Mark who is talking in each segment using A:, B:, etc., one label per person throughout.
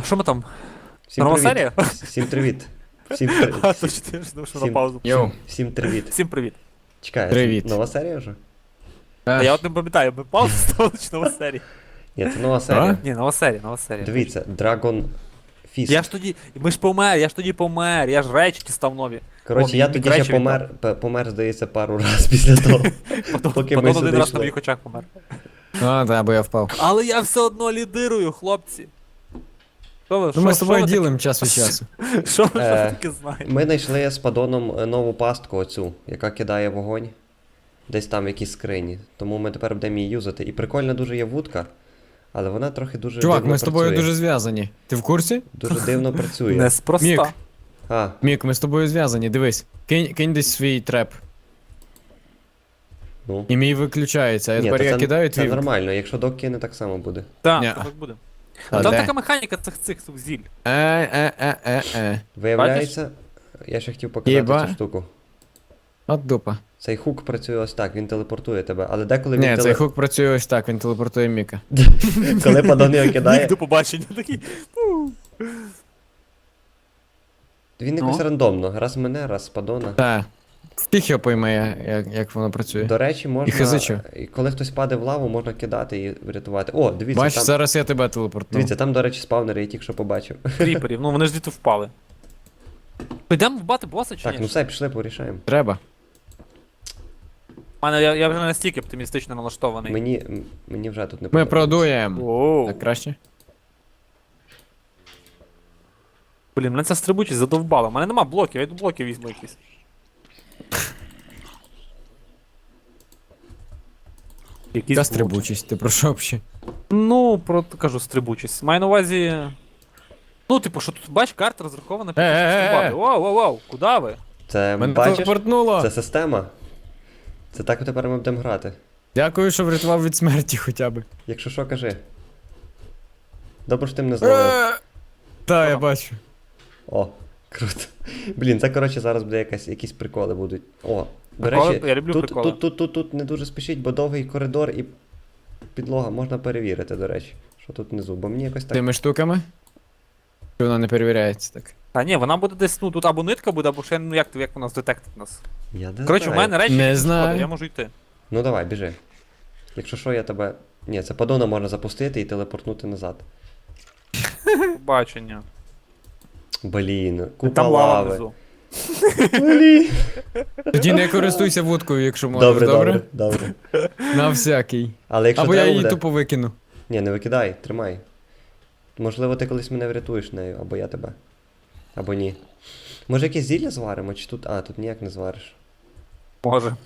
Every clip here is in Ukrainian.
A: що ми там?
B: Всім
A: Нова
B: привіт.
A: серія?
B: Всім привіт. Всім
A: А,
B: привіт.
A: точно, я ж думав, що на паузу.
C: Йоу.
B: Всім привіт.
A: Всім привіт.
B: Чекай,
C: Привіт.
B: нова серія вже?
A: А я от не пам'ятаю, ми паузу ставили чи нова серія?
B: Ні, це нова серія.
A: Ні, нова серія, нова серія.
B: Дивіться, Dragon Fist.
A: Я ж тоді, ми ж помер, я ж тоді помер, я ж речі став нові.
B: Коротше,
A: О,
B: я
A: мій
B: тоді
A: речі
B: ще помер, здається, пару раз після того. Поки ми
A: Потім
B: сюди
A: один раз на
B: йшли.
A: моїх очах помер.
C: А, да, бо я впав.
A: Але я все одно лідирую, хлопці. Що ви,
C: Ну ми з
A: що
C: тобою
A: ви
C: ділимо час від часу.
A: таке- Що ви
B: Е,
A: таке знаєте?
B: Ми знайшли з падоном нову пастку оцю, яка кидає вогонь. Десь там в якійсь скрині. Тому ми тепер будемо її юзати. І прикольна дуже є вудка, але вона трохи дуже
C: Чувак,
B: дивно
C: ми з тобою
B: працює.
C: дуже зв'язані. Ти в курсі?
B: Дуже дивно працює.
A: Мік. Неспроста.
B: А,
C: Мік, ми з тобою зв'язані, дивись. Кинь десь свій треп.
B: ну.
C: І мій виключається, а
B: Ні,
C: тепер
B: то
C: я кидаю
B: це
C: твій.
B: нормально, якщо док кине, так само буде.
A: Так,
C: Ні.
A: так буде.
C: А
A: Там
C: де?
A: така механіка цих зіль.
B: Виявляється, я ще хотів показати
C: Єба.
B: цю штуку.
C: От дупа.
B: Цей хук працює ось так, він телепортує тебе, але деколи
C: Ні,
B: він
C: цей хук працює ось так, він телепортує Міка.
B: коли падон його кидає,
A: Нік до побачення такий.
B: він якось
A: Ну.
B: рандомно, раз мене, раз падона.
C: Та. Фіг його пойме, як воно працює.
B: До речі, можна,
C: хизичу.
B: і коли хтось паде в лаву, можна кидати і врятувати. О, дивіться,
C: Бачиш,
B: там,
C: зараз я тебе телепортну.
B: дивіться, там, до речі, спавнери, я тільки що побачив.
A: Кріперів, ну вони ж діти впали. Підемо вбати боса чи
B: Так,
A: ні?
B: ну все, пішли, порішаємо.
C: Треба.
A: Я вже не настільки оптимістично налаштований.
B: Мені вже тут не
C: Ми
B: подобається.
C: продуємо.
A: Оу.
C: Так краще?
A: Блін, мене ця стрибучість задовбала. У мене нема блоків, я йду блоків візьму якісь. Якісь
C: Яка
A: блоки.
C: стрибучість, ти про що взагалі?
A: Ну, кажу, стрибучість. Маю на увазі. Ну, типу, що тут бач, карта розрахована під те, щоб стрибати. Воу, воу, воу, куди ви?
B: Це,
C: Мене
B: бачиш,
C: телепортнуло!
B: це система. Це так тепер ми будемо грати.
C: Дякую, що врятував від смерті хоча б.
B: Якщо що, кажи. Добре, що ти мене зловив.
C: Та, я бачу.
B: О, круто. Блін, це коротше зараз буде якісь приколи будуть. О, до
A: Приколи?
B: речі,
A: Я люблю
B: тут,
A: приколи.
B: тут не дуже спішіть, бо довгий коридор і підлога можна перевірити, до речі. Що тут внизу, бо мені якось так.
C: Тими штуками? Чи вона не перевіряється так?
A: Та ні, вона буде десь, ну тут або нитка буде, або ще, ну як вона здетектить нас.
B: Я не
A: Коротше, у
B: знаю.
A: мене речі,
C: Не
A: якісь
C: знаю.
A: сходи, я можу йти.
B: Ну давай, біжи. Якщо що, я тебе. Ні, це падона можна запустити і телепортнути назад.
A: Побачення.
B: Блін, купа
A: Там лава
B: лави.
A: внизу.
B: Блін.
C: Тоді не користуйся вудкою, якщо можеш,
B: Добре,
C: добре?
B: добре.
C: На всякий.
B: Але якщо
C: Або я
B: треба
C: її
B: буде...
C: тупо викину.
B: Ні, не викидай, тримай. Можливо, ти колись мене врятуєш нею, або я тебе. Або ні. Може якесь зілля зваримо, чи тут. А, тут ніяк не звариш.
A: Може.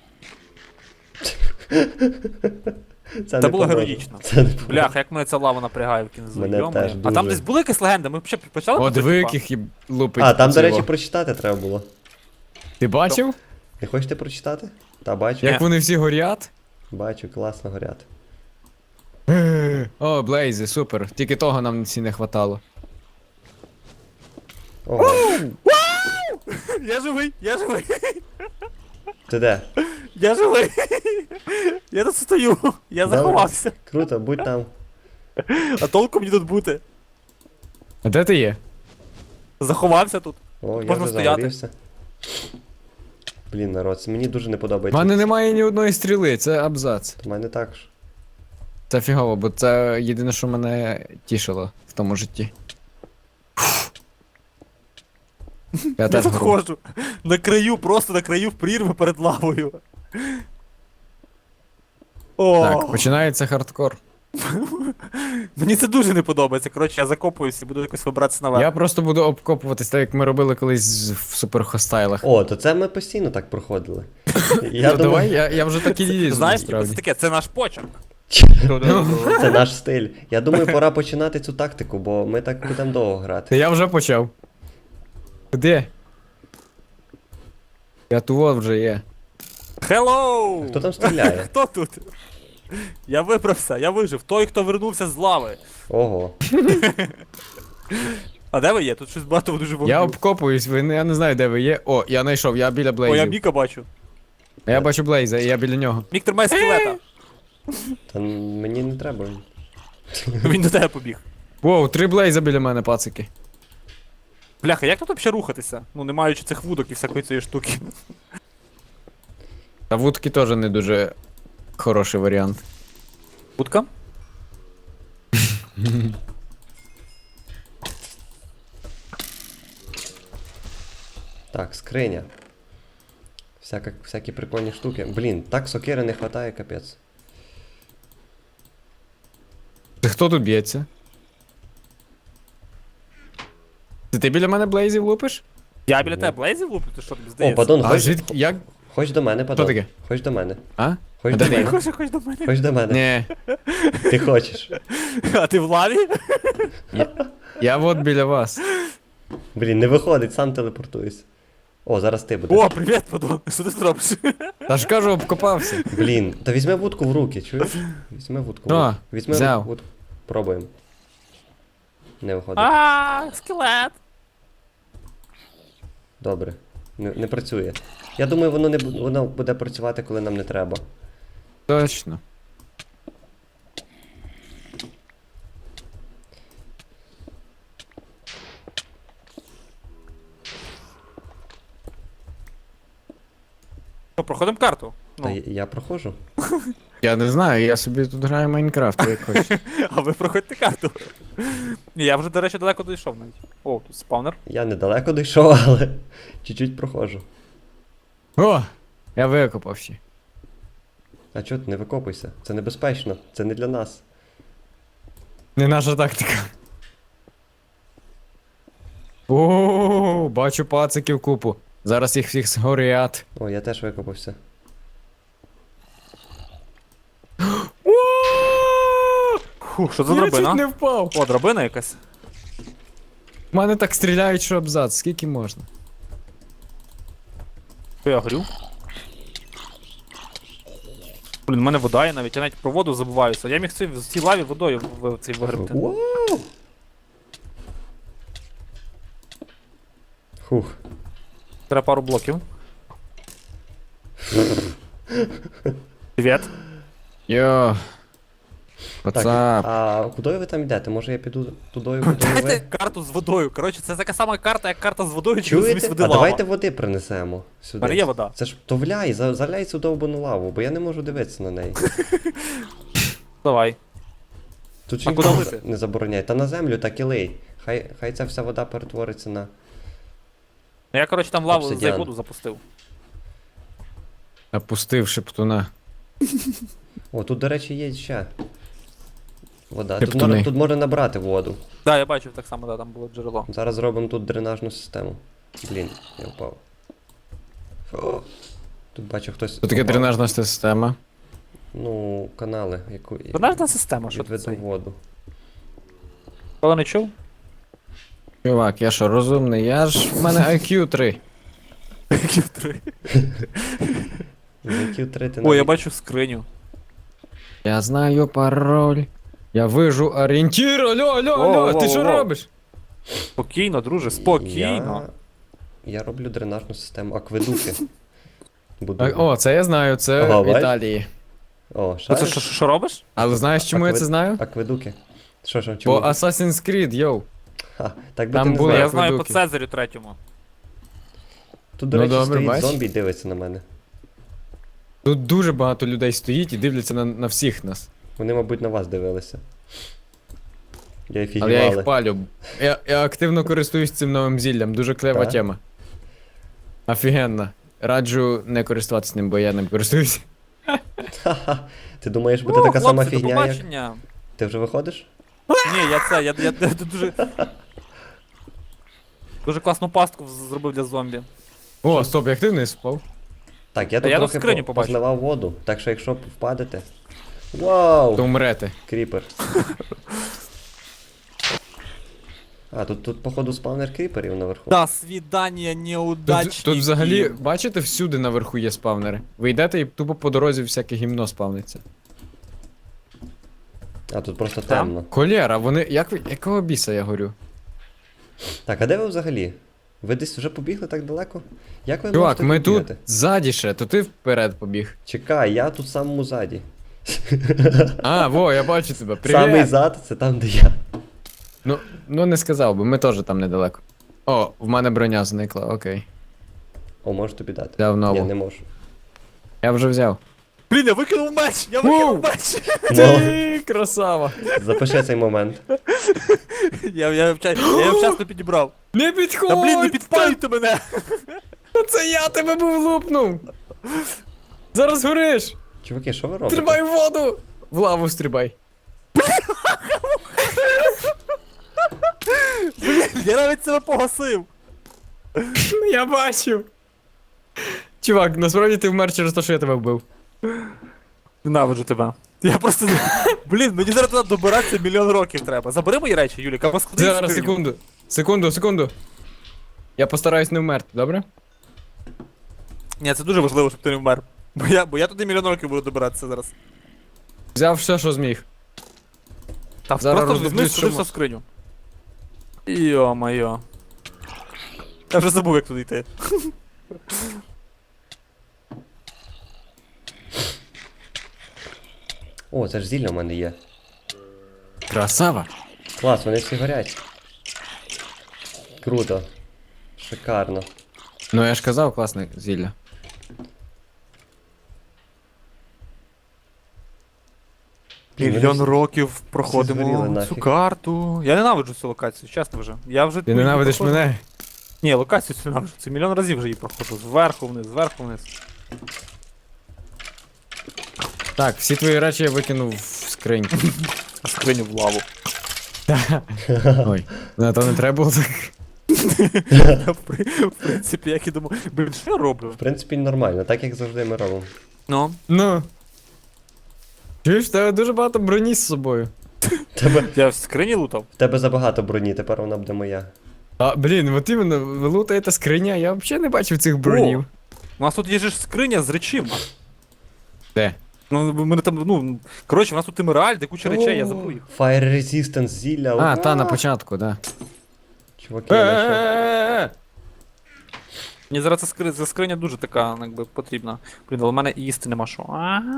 B: Це
A: було
B: поможе.
A: героїчно.
B: Це не поможе.
A: Бляха, як мене ця лава напрягає в кінці.
B: Мене
A: йо-моє.
B: теж
A: А
B: дуже.
A: там десь були якісь легенди, ми взагалі почали?
C: О,
A: про це,
C: диви,
A: типа?
C: яких їм лупить.
B: А, там, до
C: цього.
B: речі, прочитати треба було.
C: Ти бачив?
B: Не хочете прочитати? Та бачу.
C: Як вони всі горять?
B: Бачу, класно горять.
C: О, Блейзи, супер. Тільки того нам всі не хватало.
B: Ого,
A: Я живий, я живий,
B: ти де?
A: я живий. Я тут стою, я
B: Добре.
A: заховався.
B: Круто, будь там.
A: А толку мені тут бути?
C: А де ти є?
A: Заховався тут.
B: О, я
A: Можна
B: вже
A: стояти.
B: загорівся. Блін, народ, це мені дуже не
C: У
B: подобається.
C: мене немає ні одної стріли, це абзац.
B: У мене також.
C: Це фігово, бо це єдине, що мене тішило в тому житті. Я
A: Я
C: теж
A: тут
C: гору.
A: ходжу. На краю, просто на краю в прірви перед лавою. О,
C: Так, починається хардкор.
A: мені це дуже не подобається. Коротше, я закопуюсь і буду якось вибратися наверх.
C: Я просто буду обкопуватись, так як ми робили колись в суперхостайлах.
B: О, то це ми постійно так проходили. Я
C: Ну,
B: думаю,
C: давай, я вже так і лізу,
A: Знаєш, типу, це
C: насправді.
A: таке, це наш почерк.
B: це наш стиль. Я думаю, пора починати цю тактику, бо ми так будемо довго
C: Та
B: грати.
C: я вже почав. Де? Я тут вже є.
A: Hello!
B: Хто там стріляє?
A: Хто тут? Я вибрався, я вижив. Той, хто вернувся з лави.
B: Ого.
A: А де ви є? Тут щось багато дуже
C: Я
A: вогню.
C: обкопуюсь, я не знаю, де ви є. О, я знайшов, я біля
A: О, я
C: Блейзів.
A: Міка бачу.
C: Я бачу Блейза, і я біля нього.
A: Мік тримає скелета.
B: Та мені не треба.
A: Він до тебе побіг.
C: Воу, 3 блейза біля мене, пацики.
A: Бляха, як тут взагалі рухатися? Ну, не маючи цих вудок і всякої цієї штуки.
C: Та вудки теж не дуже хороший варіант.
A: Вудка?
B: Так, скриня. Всякі прикольні штуки. Блін, так сокири не хватає, капець.
C: Ти хто тут б'ється? Це ти біля мене блейзів лупиш?
A: Я біля тебе блейзів луплю, ти що тобі
B: О,
A: здається?
B: падон,
C: А
B: ходь,
C: звідки? Як?
B: ходь до мене, падон.
C: таке?
B: Ходь до мене.
C: А?
B: Ходь
C: А
B: до
C: де ти?
B: мене.
A: Хоч до мене.
B: Ходь до мене.
C: Ні.
B: Ти хочеш.
A: А ти в лаві?
C: Я от біля вас.
B: Блін, не виходить, сам телепортуюсь. О, зараз ти будеш.
A: О, привіт, падон. Що ти зробиш?
C: Та ж кажу, обкопався.
B: Блін, та візьми вудку в руки, чуєш? Візьми вудку в
C: А,
B: руки. Візьми
C: взяв.
B: вудку. Пробуємо. Не виходить.
A: А, скелет.
B: Добре. Не працює. Я думаю, воно буде працювати, коли нам не треба.
C: Точно.
A: Що, проходимо карту?
B: Та
A: Ну,
B: я проходжу.
C: Я не знаю, я собі тут граю в Майнкрафт, як хочу.
A: а ви проходьте карту. Ні, я вже, до речі, далеко дійшов навіть. О, тут спавнер.
B: Я недалеко дійшов, але чуть-чуть проходжу.
C: О! Я викопався.
B: А чого ти не викопуйся? Це небезпечно, це не для нас.
C: Не наша тактика. О, бачу пациків купу. Зараз їх всіх згорять.
B: О, я теж викопався.
A: Фу, що за
C: Я чуть
A: драбина?
C: не впав.
A: О, драбина якась.
C: В мене так стріляють, що абзац. Скільки можна?
A: Що я горю? Блін, в мене вода є навіть, я навіть про воду забуваюся. Я міг в цій лаві водою в цей вигребти.
B: Вау! Хух.
A: Треба пару блоків. Привіт.
C: Йо.
B: Так,
C: Пацап.
B: а куди ви там йдете? Може я піду тудою, куди
A: Дайте
B: ви?
A: карту з водою. Коротше, це така сама карта, як карта з водою, чи
B: Чуєте?
A: замість води
B: А
A: лава.
B: давайте води принесемо сюди.
A: В мене є вода.
B: Це ж то вляй, заляй цю довбану лаву, бо я не можу дивитися на неї.
A: Давай.
B: Тут
A: А
B: ж
A: куди
B: ніхто
A: лити?
B: не забороняє. Та на землю так і лий. Хай ця вся вода перетвориться на.
A: Я, коротше, там лаву
B: Обсидіан.
A: за воду запустив.
C: Опустив шептуна.
B: О, тут, до речі, є ще. Вода.
C: Шептуни.
B: Тут можна набрати воду.
A: Да, я бачив так само, да, там було джерело.
B: Зараз зробимо тут дренажну систему. Блін, я впав. О, тут бачу хтось.
C: Тут таке
B: впав.
C: дренажна система.
B: Ну, канали, яку
A: Дренажна система, що
B: відведу
A: це?
B: воду.
A: Коли не чув?
C: Чувак, я що, розумний? Я ж в мене IQ 3.
B: IQ 3 ти
A: О, я
B: навіть-
A: бачу скриню.
C: Я знаю пароль. Я вижу орієнтір. Алло, алло, алло, ти що
A: Воу-воу-воу.
C: робиш?
A: Спокійно, друже, спокійно.
B: Я роблю дренажну систему, акведуки. Буду.
C: О, це я знаю, це
B: Ага,
C: в
B: бач?
C: Італії.
B: О,
A: А це
B: шариш?
A: що робиш?
C: Але знаєш, чому я це знаю?
B: Акведуки. Що,
C: По
B: чому?
C: Assassin's Creed, йоу.
B: Ха, так би
C: Там
B: ти не
C: були
B: знав.
A: Я знаю по
C: акведуки.
A: Цезарю третьому.
B: Тут, до
C: Ну,
B: речі,
C: добре,
B: стоїть
C: бач.
B: зомбі і дивиться на мене.
C: Тут дуже багато людей стоїть і дивляться на всіх нас.
B: Вони, мабуть, на вас дивилися. Я
C: Але я
B: фігівали.
C: їх палю. Я активно користуюсь цим новим зіллям, дуже клева
B: Так?
C: тема. Офігенно. Раджу не користуватися ним, бо я ним користуюсь.
B: Ха-ха. Ти думаєш, буде така сама
A: хлопці, до
B: фігня, як.
A: побачення.
B: Ти вже виходиш?
A: Ні, я дуже... Дуже класну пастку зробив для зомбі.
C: О, стоп, як ти вниз впав?
B: Так, я
A: Та
B: тут
A: я тут
B: трохи
A: скриню побачив.
B: позливав воду, так що якщо впадете. Вау!
C: То умрете.
B: Кріпер. А, тут походу спавнер кріперів наверху.
A: До свидання, неудачники.
C: Тут взагалі, бачите, всюди наверху є спавнери. Ви йдете і тупо по дорозі всяке гімно спавниться.
B: А тут просто
A: Там?
B: темно.
C: Колєра, вони. Якого біса я горю?
B: Так, а де ви взагалі? Ви десь вже побігли так далеко? Як ви
C: Чувак,
B: можете
C: ми тут
B: бігати?
C: ззаді ще, то ти вперед побіг.
B: Чекай, я тут в самому заді.
C: А, во, я бачу тебе.
B: Самий
C: Привіт!
B: зад це там, де я.
C: Ну не сказав би, ми теж там недалеко. О, в мене броня зникла, окей.
B: О, можу тобі дати.
C: Взяв нову.
B: Ні, не можу.
C: Я вже взяв.
A: Блін, я викинув меч! Я викинув меч!
B: Ну,
C: Ти красава.
B: запиши цей момент.
A: Я вчасно підібрав.
C: Не підходь!
A: Та блін, не підпалюйте мене!
C: Та це я тебе був лупнув! Зараз гориш!
B: Чуваки, що ви робите?
C: Стрибай в воду! В лаву стрибай.
A: Я навіть себе погасив!
C: Я бачив. Чувак, насправді ти вмер через те, що я тебе вбив.
A: Ненавиджу тебе. Я просто. Блін, мені зараз туди добиратися мільйон років треба. Забери мої речі, Юліка, розклади їх в
C: Зараз,
A: скриню.
C: секунду. Я постараюсь не вмерти, добре?
A: Ні, це дуже важливо, щоб ти не вмер. Бо я туди мільйон років буду добиратися зараз.
C: Взяв все, що зміг.
A: Та
C: Зараз
A: просто візьми
C: роздивлюсь,
A: сюди
C: що
A: все в скриню. Йо-моє. Я вже забув, як туди йти.
B: О, це ж зілля в мене є.
C: Красава.
B: Клас, вони всі горять. Круто. Шикарно.
C: Ну я ж казав, класне зілля.
A: Мільйон років
B: згоріли
A: проходимо
B: нафіг.
A: цю карту. Я ненавиджу цю локацію, чесно вже. Я вже
C: Ти ненавидиш мене?
A: Ні, локацію цю ненавиджу. Це мільйон разів вже її проходжу. Зверху вниз, зверху вниз.
C: Так, всі твої речі я викинув в скриньку.
A: А скриню в лаву.
C: Ой, ну то не треба було так.
A: В принципі, як і думав. Блін, що я роблю?
B: В принципі, нормально, так як завжди ми робимо.
A: Ну.
C: Ну. Чуєш, в тебе дуже багато броні з собою.
A: Я в скрині лутав?
B: В тебе забагато броні, тепер вона буде моя.
C: А, блін, от іменно, ви лутаєте скриня, я взагалі не бачив цих бронів.
A: У нас тут є ж скриня з речима.
C: Де?
A: Ну, мене там, ну. Коротше, у нас тут емеральд, і куча речей, я забув їх.
B: Fire Resistance зілля.
C: А, та на початку, да.
B: Чуваки, я знайшов.
A: Мені зараз ця скриня дуже така, якби, потрібна. Блін, але в мене і їсти нема що.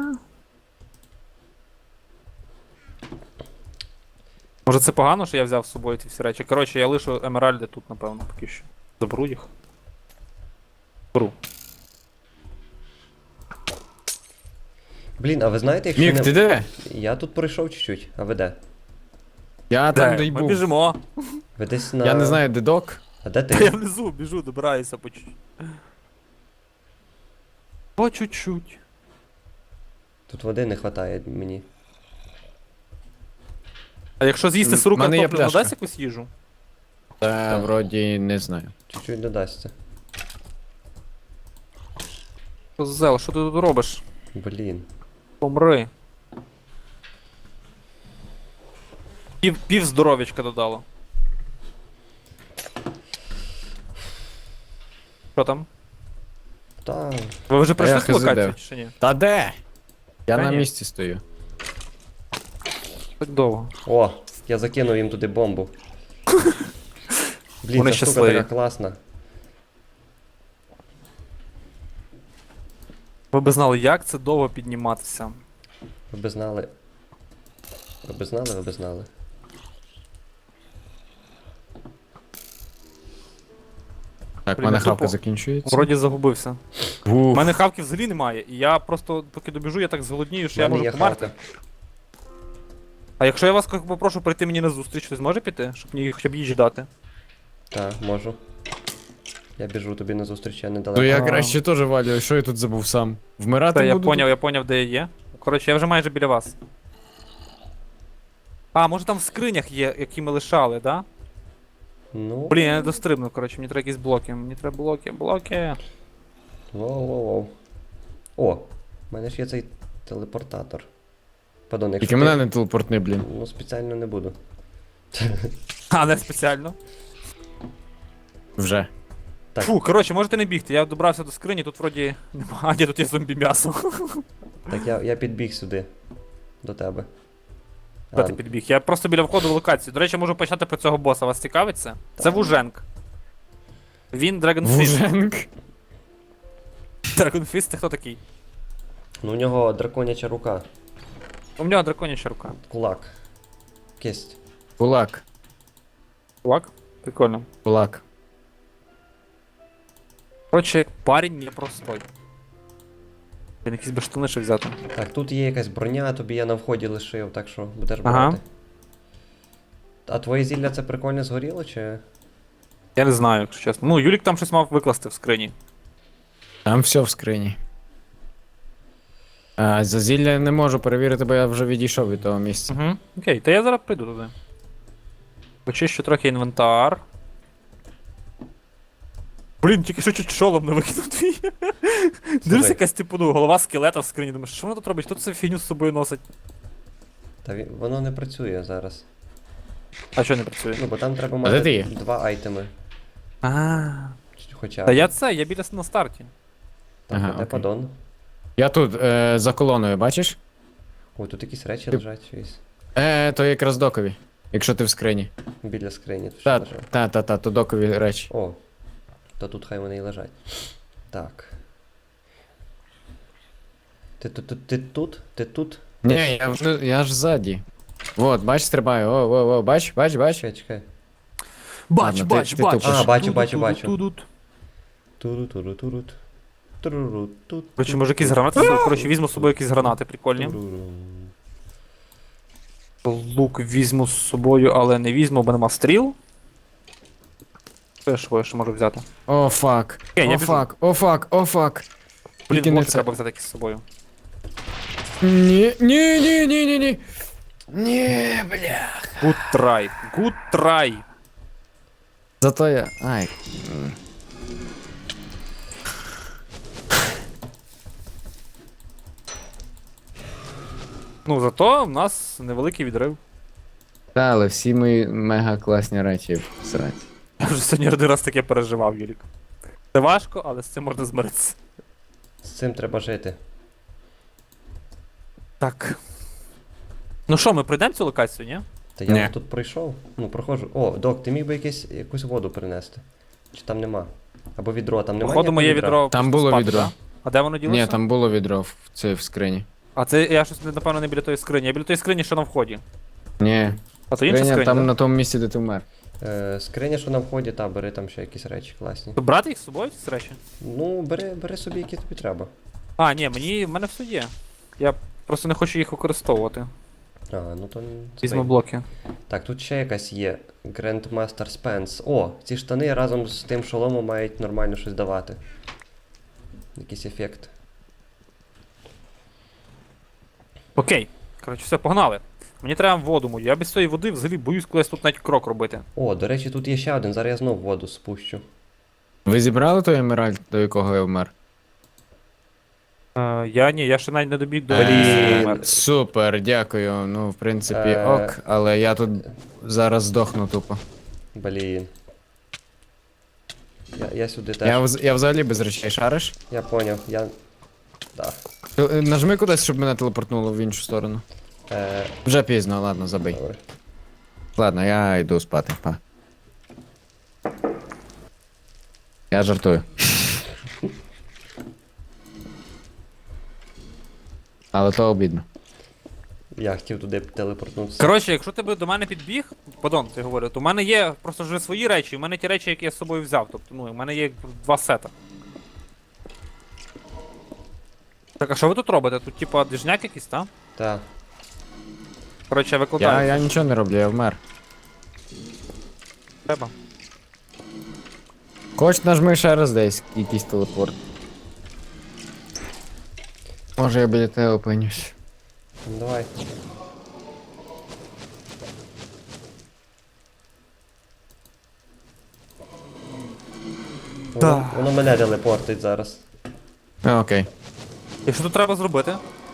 A: Може це погано, що я взяв з собою ці всі речі? Коротше, я лишу емеральди тут, напевно, поки що. Заберу їх. Беру.
B: Блін, а ви знаєте, якщо
C: Мік,
B: не...
C: ти де?
B: Я тут пройшов чуть-чуть, а ви де?
C: Я там де й
A: Ми
C: був.
A: біжимо.
B: Ви десь на...
C: Я не знаю, де док.
B: А де
A: Та я
B: ти?
A: внизу біжу, добираюся по чуть-чуть. По чуть-чуть.
B: Тут води не вистачає мені.
A: А якщо з'їсти сиру
C: В мене є
A: картоплю,
C: пляшка.
A: надасть якусь їжу?
C: Та вроді не знаю.
B: Чуть-чуть додасться.
A: Зел, що ти тут робиш?
B: Блін.
A: Помри. Пів здоров'ячка додало. Що там?
B: Та...
A: Ви вже пройшли
C: я
A: цю локацію
C: хз.
A: чи ні?
C: Та де? Я
A: Та
C: на
A: ні.
C: місці стою.
A: Так довго.
B: О, я закинув їм туди бомбу. Блін,
A: Вони
B: ця штука
A: щасливі.
B: така класна.
A: Ви б знали, як це довго підніматися.
B: Ви би знали. Ви би знали, ви би знали.
C: Так, в
A: Блін,
C: мене
A: я
C: хавка
A: тупо
C: закінчується.
A: Вроді загубився. У
C: Уф.
A: мене хавки взагалі немає, і я просто, поки добіжу, я так зголоднію, що я
B: В мене
A: можу
B: є
A: померти.
B: хавка.
A: А якщо я вас попрошу прийти мені на зустріч, ви зможете піти? Щоб мені хоча б їжі дати?
B: Так, можу. Я біжу тобі на зустріч, я недалеко.
C: То я
A: А.
C: краще теж валю, що я тут забув сам? Вмирати
A: Та я
C: буду?
A: поняв, де я є. Коротше, я вже майже біля вас. А, може там в скринях є, які ми лишали, да?
B: Ну.
A: Блін, я не дострибну, коротше, мені треба якісь блоки. Мені треба блоки.
B: Воу-воу-воу. О, в мене ж є цей телепортатор. Падон, якщо
C: Тільки
B: ти-
C: мене не телепортни, блін.
B: Ну, спеціально не буду.
A: А, не спеціально.
C: Вже.
B: Так.
A: Фу, коротше, можете не бігти, я добрався до скрині, тут вроді нема. А, ні, тут є зомбі м'ясо.
B: Так, я підбіг сюди. До тебе.
A: Де ти підбіг? Я просто біля входу в локацію. До речі, можу почати про цього боса. Вас цікавить це? Це Вуженк. Він Dragonfist.
C: Вуженк.
A: Dragonfist це хто такий?
B: Ну, у нього драконяча рука.
A: У нього драконяча рука.
B: Кулак. Кисть.
A: Кисть.
B: Блін, ця штука така класна.
A: Чувак, прикольно.
C: Кулак.
A: Коротше, парень непростой. Він якісь би штани ще взяти.
B: Так, тут є якась броня, тобі я на вході лишив, так що будеш
A: Ага.
B: брати. А твоє зілля це прикольно згоріло, чи.
A: Я не знаю, якщо чесно. Ну, Юлік там щось мав викласти в скрині.
C: Там все в скрині. А, за зілля не можу перевірити, бо я вже відійшов від того місця.
A: Угу. Окей, та я зараз прийду туди. Почищу трохи інвентар. Блін, тільки що чуть шолом не викинув твій. Дивись, якась типу, ну, голова скелета в скрині. Думаєш, що воно тут робить? Хто це фігню з собою носить?
B: Та воно не працює зараз.
A: А що не працює?
B: Ну, бо там треба
C: А де ти
B: мати
C: є?
B: 2 айтеми.
A: А.
B: Хоча.
A: Та я це, я біля на старті.
B: Так,
C: Ага,
B: де
C: окей.
B: падон?
C: Я тут, за колоною, бачиш?
B: Ой, тут якісь речі
C: Ти-
B: лежать щось.
C: То якраз докові. Якщо ти в скрині.
B: Біля скрині тут
C: Та,
B: ще лежать.
C: то докові речі.
B: О, то тут хай вони і лежать. Так. Ти тут? Ти тут?
C: Ні, я ж ззаді. Вот, бач, стрибаю. О, бач.
B: Чекай, чекай.
A: Бач,
C: Ладно,
A: бач,
C: ти
A: бач.
C: тупиш.
B: А, бачу.
A: Тут.
B: Туру-туру-турут. Туру-ру-тут.
A: Короче, може якісь гранати? Короче, візьму з собою якісь гранати прикольні.
B: Туру-ру.
A: Лук візьму з собою, але не візьму, бо нема стріл. Що я ще можу взяти?
C: О, фак.
A: Окей, я
C: О,
A: біжу.
C: фак, о, фак, о, фак.
A: Блін,
C: Тільки не
A: може
C: це.
A: треба взяти якісь з собою.
C: Ні. Ні, бля.
A: Good try. Good try.
C: Зато я. Ай.
A: Ну, зато в нас невеликий відрив.
C: Та, але всі мої мега класні речі всраці.
A: Я вже сьогодні один раз таке переживав, Юлік. Це важко, але з цим можна змиритися.
B: З цим треба жити.
A: Так. Ну що, ми пройдемо цю локацію, ні?
B: Та я
C: Ні.
B: вже тут пройшов. Ну, проходжу. О, док, ти міг би якусь воду принести? Чи там нема? Або відро, там немає.
A: Походу, моє відро.
C: Там
A: просто
C: було
A: спати,
C: відро.
A: да? А де воно ділося?
C: Ні, там було відро в скрині.
A: А це я щось, напевно, не біля тої скрині. Я біля тої скрині, що на вході.
C: Ні.
A: А то інша
C: Скриня
A: скриня,
C: там
A: да?
C: на тому місці, де ти вмер.
B: Скриня, що на вході, та, бери там ще якісь речі класні.
A: То брати їх з собою, ці речі?
B: Ну, бери собі, які тобі треба.
A: А, ні, в мене все є. Я просто не хочу їх використовувати.
B: А, ну то.
A: Візьму блоки.
B: Так, тут ще якась є. Grandmaster Spence. О, ці штани разом з тим шоломом мають нормально щось давати. Якийсь ефект.
A: Окей. Коротше, все, погнали. Мені треба воду мою. Я без цієї води взагалі боюсь колись тут навіть крок робити.
B: О, до речі, тут є ще один, зараз я знов воду спущу.
C: Ви зібрали той емеральд, до якого я вмер?
A: Я ще навіть не добіг до
B: Блін.
C: Супер, дякую. Ну, в принципі, ок, але я тут зараз здохну тупо.
B: Блін. Я сюди теж.
C: Я взагалі без речей шариш?
B: Я поняв, я. Да.
C: Нажми кудись, щоб мене телепортнуло в іншу сторону. Вже пізно, ладно, забий.
B: Добре.
C: Ладно, я йду спати. Па. Я жартую. Але то обідно.
B: Я хотів туди телепортнутися.
A: Коротше, якщо ти би до мене підбіг, падон, ти говорю, то в мене є просто вже свої речі, в мене ті речі, які я з собою взяв. Тобто, ну, в мене є 2 сета. Так, а що ви тут робите? Тут типа двіжняк якийсь, так?
B: Так.
A: Коротше, я викладаю.
C: Я нічого не роблю, я вмер.
A: Треба.
C: Хоч нажми ще раз десь якийсь телепорт. Може я біля тебе опинюсь.
B: Ну, давай. Воно мене телепортить зараз.
C: Окей.
A: І що тут треба зробити?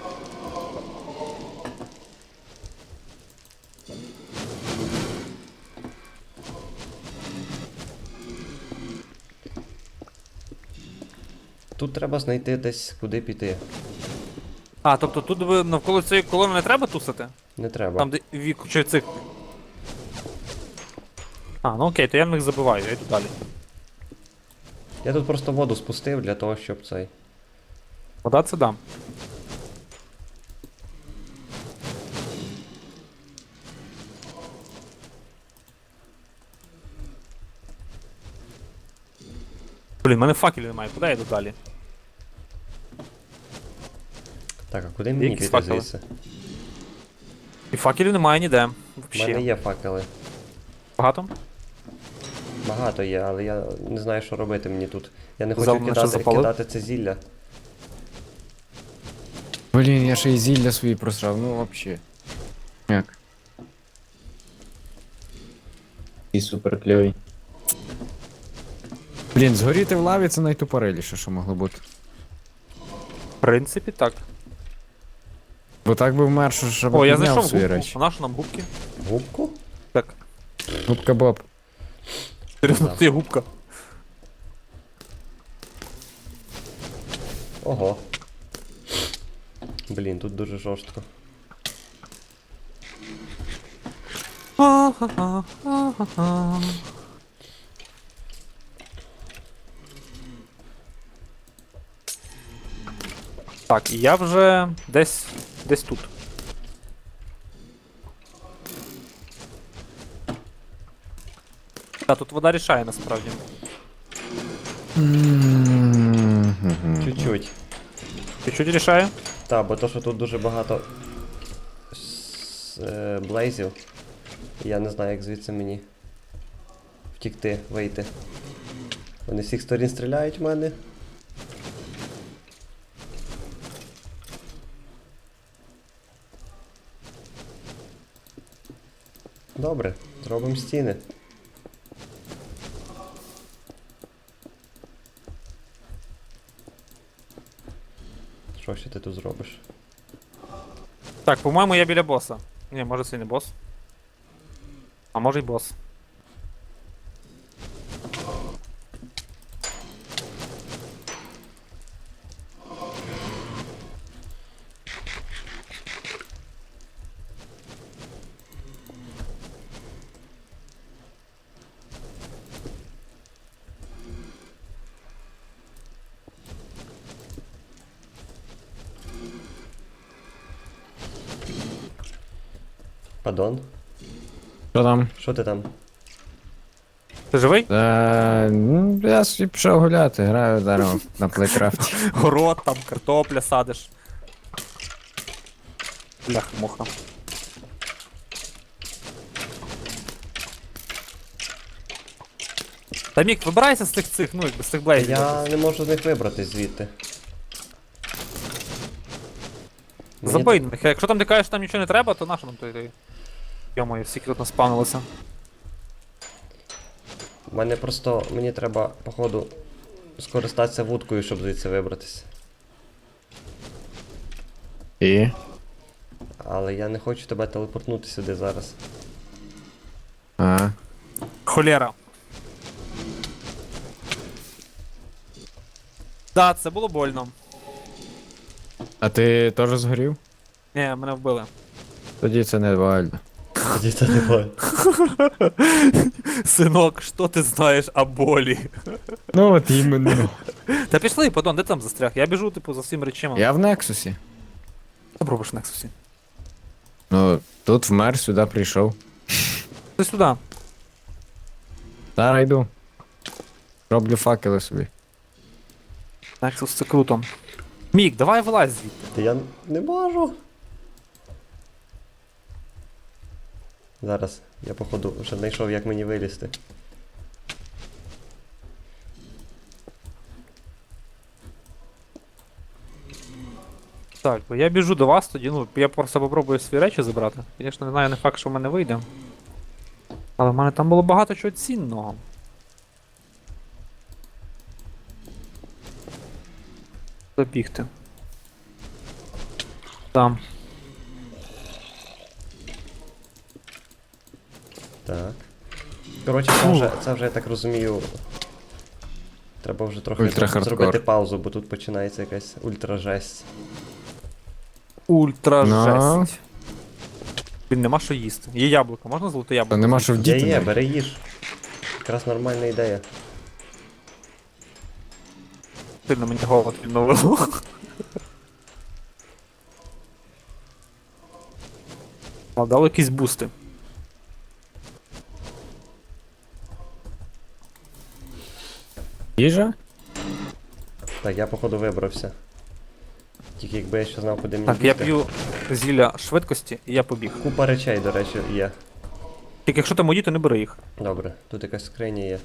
B: Тут треба знайти десь куди піти.
A: А, тобто тут ви навколо цієї колони не треба тусити?
B: Не треба.
A: Там, де вік, чи цих. А, ну окей, то я на них забиваю, я йду далі.
B: Я тут просто воду спустив для того, щоб цей.
A: Вода це дам. Блін, в мене факелів немає, куди я йду далі?
B: Так, а куди мені
A: Якісь
B: піти
A: факели?
B: звідси?
A: І факелів немає ніде.
B: У мене
A: Вообще.
B: є факели.
A: Багато?
B: Багато є, але я не знаю, що робити мені тут. Я не
A: Взяв
B: хочу
A: мене, що запалив?
B: кидати це зілля.
C: Блін, я ще й зілля свої просрав, ну вообще. Як? І супер кльовий. Блін, згоріти в лаві це найтупориліше, що могло бути.
A: В принципі, так.
C: Бо так би вмер, що щоб
A: О, я
C: підняв
A: знайшов
C: свої
A: губку.
C: речі.
A: А на що нам губки?
B: Губку?
A: Так.
C: Губка Боб.
A: Серйозно,
B: Да.
A: тут є губка.
B: Ого. Блін, тут дуже жорстко.
A: Так, і я вже десь тут. Так, тут вода рішає насправді.
B: Чуть-чуть.
A: Чуть-чуть рішає?
B: Та, бо то, що тут дуже багато блейзів. Я не знаю, як звідси мені втікти, вийти. Вони з всіх сторін стріляють в мене. Добре, зробимо стіни. Що ще ти тут зробиш?
A: Так, по-моєму, я біля боса. Ні, може це і не бос. А може й бос.
B: Падон?
C: Що там?
B: Що ти там?
A: Ти живий?
C: Я собі пішов гуляти, граю зараз на плейкрафті.
A: Город, там, картопля садиш. Бляха-муха. Та Мік, вибирайся з цих, ну, якби з цих блейзів.
B: Я не можу з них вибратись звідти. Мені
A: Забий на них. Якщо там ти кажеш, що там нічого не треба, то нащо нам той. Йо-моє, всі тут наспавнилися.
B: Мене просто. Мені треба, походу, скористатися вудкою, щоб звідси вибратись.
C: І?
B: Але я не хочу тебе телепортнути сюди зараз.
C: А.
A: Холєра. Да, це було больно.
C: А ти теж згорів?
A: Ні, мене вбили.
C: Тоді це не вально.
B: Тоді це не буває.
A: Синок, що ти знаєш о болі?
C: Ну от іменно.
A: Та пішли, подон, де ти там застряг? Я біжу, типу, за всім речима.
C: Я в Нексусі.
A: Що робиш в Нексусі?
C: Ну, тут вмер, сюди прийшов.
A: Ти сюди.
C: Зараз йду. Роблю факели собі.
A: Нексус це круто. Мік, давай вилазь звідти.
B: Та я не можу. Зараз, я походу вже знайшов, як мені вилізти.
A: Так, бо я біжу до вас тоді, ну, я просто попробую свої речі забрати. Звісно, не знаю, не факт, що в мене вийде. Але в мене там було багато чого цінного. Забігти. Там.
B: Так. Коротше, це вже, я так розумію. Треба вже трохи
C: Ультра-хардкор.
B: зробити паузу, бо тут починається якась ультра-жесть.
A: Ультра
C: Ну.
A: жесть. Блін, нема що їсти. Є яблуко, можна золоте
C: Та
A: яблуко?
C: нема що
B: Є,
C: вдіти.
B: є,
C: навіть.
B: бери їж. Якраз нормальна ідея.
A: Сильно мені голод відновило. А дали якісь бусти.
C: Їжа?
B: Так, я походу вибрався. Тільки якби я ще знав, куди мені
A: Так, я
B: бігти.
A: п'ю зілля швидкості і я побіг.
B: Купа речей, до речі, є.
A: Тільки якщо там мої, то не бери їх.
B: Добре, тут якась скриня є.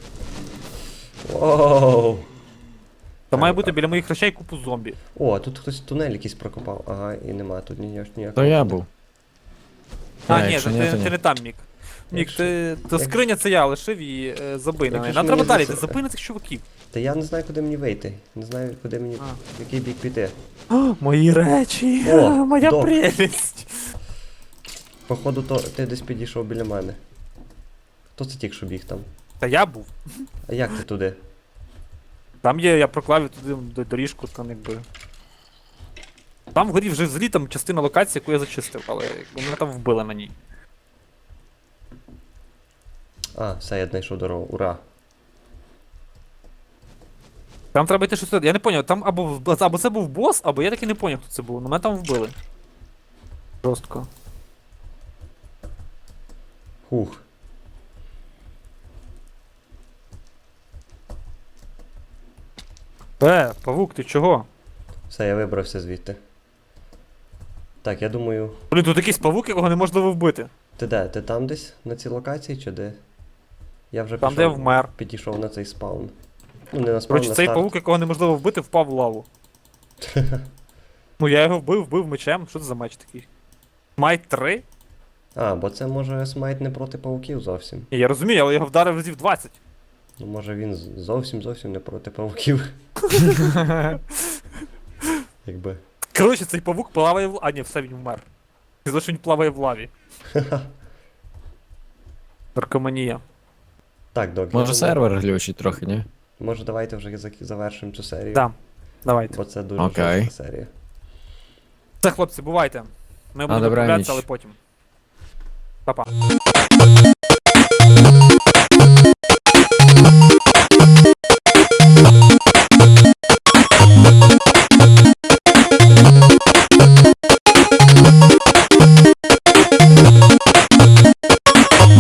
B: Воу!
A: Та має
B: Так,
A: бути
B: так.
A: біля моїх речей купу зомбі.
B: О, тут хтось тунель якийсь прокопав. Ага, і нема тут ніякого.
C: То я був.
A: А, ні,
C: якщо
A: ти,
C: ні, то
A: ти
C: ні.
A: не там, Мік. Мік,
B: Якщо-
A: то
B: як-
A: скриня це я лишив і забий на
B: Якщо
A: неї.
B: ж
A: Нам треба
B: мені
A: далі,
B: за
A: ти
B: це-
A: забий на цих чуваків.
B: Та я не знаю, куди мені вийти. Не знаю, куди мені.
A: А.
B: В який бік піти.
A: О, мої речі,
B: О,
A: моя
B: док.
A: прелість.
B: Походу, то ти десь підійшов біля мене. Хто це тільки що біг там?
A: Та я був.
B: А як ти туди?
A: Там є, я проклав туди доріжку, там якби. Там вгорі вже взагалі там частина локації, яку я зачистив, але якби мене там вбили на ній.
B: А, все, я знайшов дорогу. Ура!
A: Там треба йти щось. Я не поняв, там або це був бос, або я таки не поняв, хто це був. Ну мене там вбили. Жорстко.
B: Хух.
A: Павук, ти чого?
B: Все, я вибрався звідти. Так, я думаю.
A: Блін, тут якийсь павук, якого неможливо вбити.
B: Ти де? Ти там десь на цій локації чи де? Я вже
A: Там, де я вмер.
B: підійшов на цей спаун. Ну, не на спаун,
A: Коротше,
B: на
A: цей
B: старт.
A: павук, якого неможливо вбити, впав в лаву. Ну я його вбив мечем. Що це за меч такий? Майт 3?
B: А, бо це може смайт не проти павуків зовсім.
A: Ні, я розумію, але я його вдарив разів 20.
B: Ну, може він зовсім не проти павуків. Якби.
A: Коротше, цей павук плаває в. А, ні, все, він вмер. Сказав, що він плаває в лаві. Наркоманія.
B: Так, док. я
C: Може
B: думаю,
C: сервер глючить трохи, ні?
B: Може давайте вже завершимо цю серію.
A: Да, давайте.
B: Бо це дуже
C: Окей.
B: жорстка серія.
A: Все, хлопці, бувайте. Ми будемо
C: добра
A: відправлятися,
C: ніч.
A: але потім. Па-па.